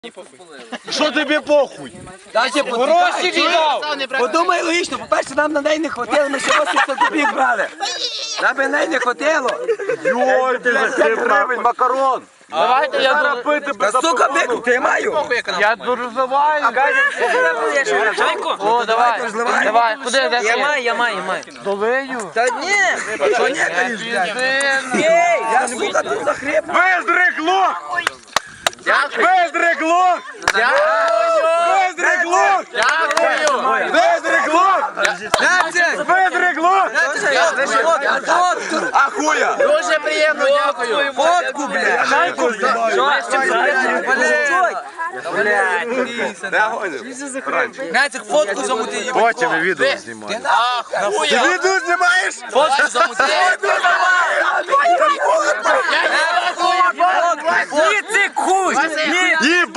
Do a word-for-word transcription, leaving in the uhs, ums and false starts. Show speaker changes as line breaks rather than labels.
Що тобі похуй?
Гроші віддав!
Подумай логічно, по-перше, нам на неї не хватило, ми ще вісімдесят копійок брали. Нам би на неї не хватило.
Йой, ти гривень, макарон.
Давайте я
Зараз
ду...
пити без
Та сука, викуп, ти маю.
Я дорозливаю.
Чайку?
О, давай,
розливай.
давай, куди, де
Я
ти?
маю, я маю, я маю.
Долию.
Та ні, що ні, кажеш, блядь. Ей, я, сука, тут захріп.
Виздрик лох! Виздрик лох! Виздрик лох!
Дякую.
Виздрик лох!
Нацик!
Виздрик лох!
Фотку!
А хуя!
Дуже приємно, дякую.
Фотку, блядь! Нацик, фотку замути.
Потім відео знімаю.
Ахуя.
Ти відео знімаєш?
Фотку замути.
Ні, цик, хуй! Ні!
Їб!